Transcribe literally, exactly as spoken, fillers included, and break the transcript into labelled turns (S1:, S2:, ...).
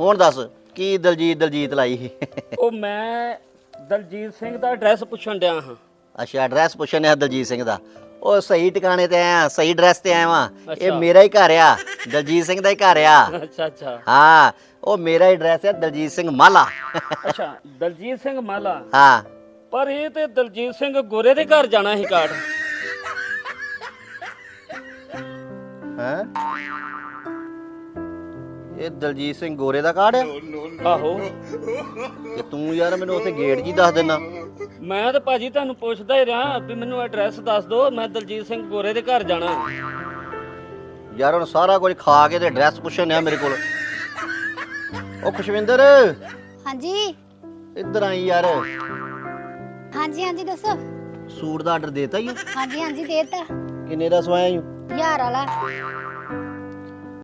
S1: ਹੁਣ ਦੱਸ ਕੀ ਦਲਜੀਤ ਦਲਜੀਤ ਲਾਈ ਸੀ?
S2: ਉਹ ਮੈਂ ਦਲਜੀਤ ਸਿੰਘ ਦਾ ਐਡਰੈਸ ਪੁੱਛਣ ਡਿਆ ਹਾਂ।
S1: ਅੱਛਾ ਐਡਰੈਸ ਪੁੱਛਣ ਆ ਦਲਜੀਤ ਸਿੰਘ ਦਾ। ਉਹ ਸਹੀ ਟਿਕਾਣੇ ਤੇ ਆਇਆ, ਸਹੀ ਐਡਰੈਸ ਤੇ ਆਇਆ ਵਾਂ। ਇਹ
S2: ਅੱਛਾ।
S1: ਮੇਰਾ ਹੀ ਘਰ ਆ, ਦਲਜੀਤ ਸਿੰਘ ਦਾ ਹੀ ਘਰ ਆ।
S2: ਅੱਛਾ ਅੱਛਾ
S1: ਹਾਂ ਉਹ ਮੇਰਾ ਐਡਰੈਸ ਹੈ ਦਲਜੀਤ ਸਿੰਘ ਮਾਲਾ।
S2: ਅੱਛਾ ਦਲਜੀਤ ਸਿੰਘ ਮਾਲਾ।
S1: ਹਾਂ
S2: ਪਰ ਇਹ ਤੇ ਦਲਜੀਤ ਸਿੰਘ ਗੋਰੇ ਦੇ ਘਰ ਜਾਣਾ ਸੀ ਕਾਰਡ।
S1: ਹੈ ਇਹ ਦਲਜੀਤ ਸਿੰਘ ਗੋਰੇ ਦਾ ਕਾਰਡ ਆ?
S2: ਆਹੋ
S1: ਤੇ ਤੂੰ ਯਾਰ ਮੈਨੂੰ ਉੱਥੇ ਗੇਟ ਜੀ ਦੱਸ ਦੇਣਾ।
S2: ਮੈਂ ਤੇ ਭਾਜੀ ਤੁਹਾਨੂੰ ਪੁੱਛਦਾ ਹੀ ਰਿਹਾ ਵੀ ਮੈਨੂੰ ਐਡਰੈਸ ਦੱਸ ਦਿਓ, ਮੈਂ ਦਲਜੀਤ ਸਿੰਘ ਗੋਰੇ ਦੇ ਘਰ ਜਾਣਾ।
S1: ਯਾਰ ਹੁਣ ਸਾਰਾ ਕੁਝ ਖਾ ਕੇ ਤੇ ਐਡਰੈਸ ਪੁੱਛਣ ਆ ਮੇਰੇ ਕੋਲ। ਉਹ ਖੁਸ਼ਵਿੰਦਰ
S3: ਹਾਂਜੀ
S1: ਇੱਧਰ ਆਈ ਯਾਰ।
S3: ਹਾਂਜੀ ਹਾਂਜੀ ਦੱਸੋ।
S1: ਸੂਟ ਦਾ ਆਰਡਰ ਦੇਤਾ ਹੀ?
S3: ਹਾਂਜੀ ਹਾਂਜੀ ਦੇਤਾ।
S1: ਕਿੰਨੇ ਦਾ ਸਵਾਇਆ ਈ?
S3: ਹਜ਼ਾਰ ਵਾਲਾ।